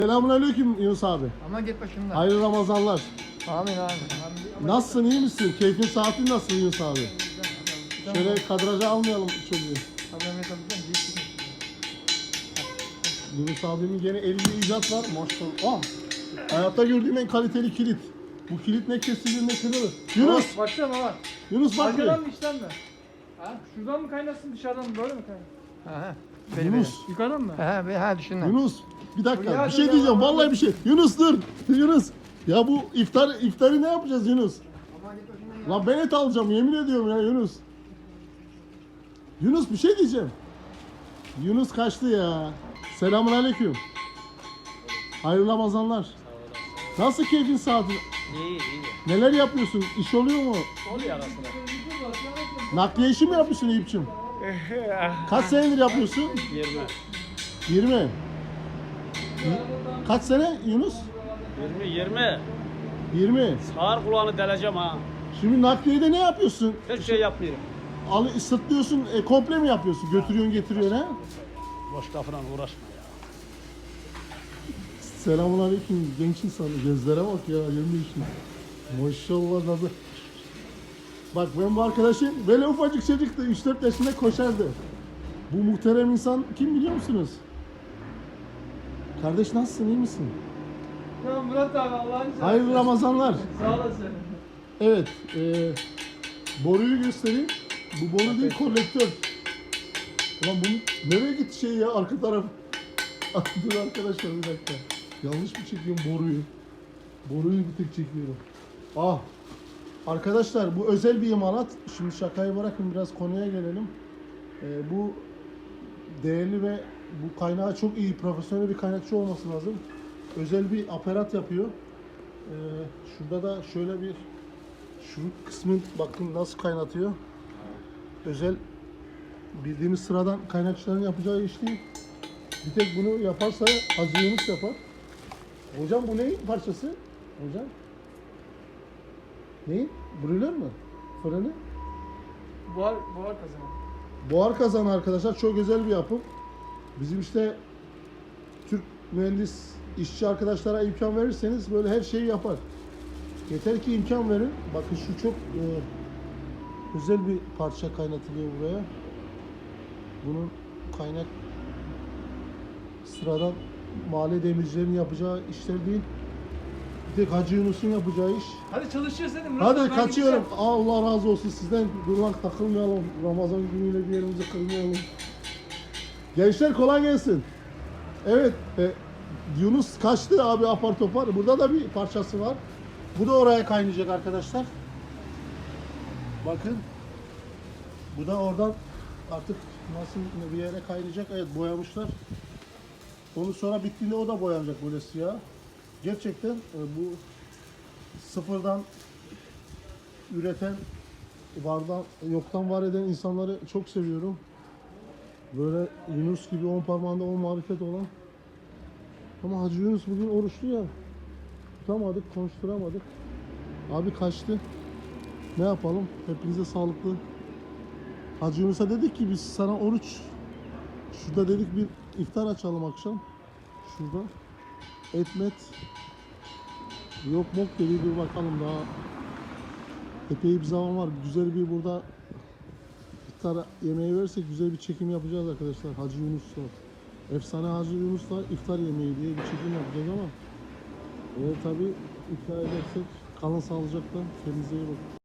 Selamünaleyküm Yunus abi. Ama git başımdan. Hayırlı Ramazanlar. Amin abi. Nasılsın, iyi misin? Keyfin, saatin nasıl Yunus abi? Şöyle kadraja almayalım çocuğu. Yunus abimin gene elinde icat var. Maşallah. Hayatta gördüğüm en kaliteli kilit. Bu kilit ne kesilir ne kırılır. Yunus! Başlayalım baba. Yunus bak bir. Arkadan mı içten mi? Ha? Şuradan mı kaynasın dışarıdan mı? Böyle mi kaynasın? Ha, Yunus. Yukarıdan mı? ha düşündüm. Yunus. Bir dakika. Ya Bir şey dur, diyeceğim. ya, Vallahi bir şey. Yunus dur. Yunus. Ya bu iftarı ne yapacağız Yunus? Lan ben et alacağım yemin ediyorum ya Yunus. Yunus bir şey diyeceğim. Yunus kaçtı ya. Selamünaleyküm. Hayırlı Ramazanlar. Nasıl keyfin saatin? İyi. Neler yapıyorsun? İş oluyor mu? Oluyor arasında. Nakliye işi mi yapıyorsun Eyüp'cüğüm? Kaç senedir yapıyorsun? 20. 20. Kaç sene Yunus? 20. 20. Sağır kulağını deleceğim ha. Şimdi nakliyede ne yapıyorsun? Hiç şey yapmıyorum. Sırtlıyorsun, komple mi yapıyorsun? Götürüyorsun, getiriyorsun ha? Boş lafla uğraşma ya. Selamünaleyküm genç insan. Gözlere bak ya, yemin için. Maşallah nasıl. Bak ben bu arkadaşım böyle ufacık çocuktu, 3-4 yaşında koşardı. Bu muhterem insan kim biliyor musunuz? Kardeş nasılsın, iyi misin? Tamam Murat abi Allah'ını seversen. Hayırlı Ramazanlar. Sağ olasın. Evet, boruyu göstereyim. Bu boru değil, kolektör. Ulan bu nereye gitti şey ya, arka taraf? Dur arkadaşlar bir dakika. Yanlış mı çekiyorum boruyu? Boruyu bir tek çekiyorum. Arkadaşlar bu özel bir imalat. Şimdi şakayı bırakın biraz konuya gelelim. Bu değerli ve bu kaynağı çok iyi, profesyonel bir kaynakçı olması lazım. Özel bir aparat yapıyor. Şurada da şöyle bir şu kısmı bakın nasıl kaynatıyor. Özel bildiğimiz sıradan kaynakçıların yapacağı iş değil. Bir tek bunu yaparsa Hacı Yunus yapar. Hocam bu neyin parçası? Hocam? Neyin? Brülör mü? Fırını? Buhar kazanı. Buhar kazanı arkadaşlar çok özel bir yapım. Bizim işte Türk mühendis işçi arkadaşlara imkan verirseniz böyle her şeyi yapar. Yeter ki imkan verin. Bakın şu çok özel bir parça kaynatılıyor buraya. Bunun kaynak sıradan mahalle demircilerin yapacağı işler değil. Bir tek Hacı Yunus'un yapacağı iş. Hadi çalışıyoruz dedim Murat abi, Hadi ben kaçıyorum. gideceğim. Allah razı olsun sizden. Durmak takılmayalım. Ramazan günüyle bir yerimizi kırmayalım. Gençler kolay gelsin. Evet. Yunus kaçtı abi apar topar. Burada da bir parçası var. Bu da oraya kaynayacak arkadaşlar. Bakın. Bu da oradan artık nasıl bir yere kaynayacak. Evet boyamışlar. Onu sonra bittiğinde o da boyanacak böyle siyah. Gerçekten bu sıfırdan üreten, vardan, yoktan var eden insanları çok seviyorum. Böyle Yunus gibi 10 parmağında 10 marifet olan. Ama Hacı Yunus bugün oruçlu ya. Tutamadık, konuşturamadık. Abi kaçtı. Ne yapalım? Hepinize sağlıklı. Hacı Yunus'a dedik ki biz sana oruç. Şurada dedik bir iftar açalım akşam. Şurada. Etmet. Yok mok dedi, dur bakalım daha epey bir zaman var. Güzel bir burada iftar yemeği verirsek güzel bir çekim yapacağız arkadaşlar. Hacı Yunus'la. Efsane Hacı Yunus'la iftar yemeği diye bir çekim yapacağız ama tabii iftar edersek kalın sağlıcakla, kendinize iyi bakın.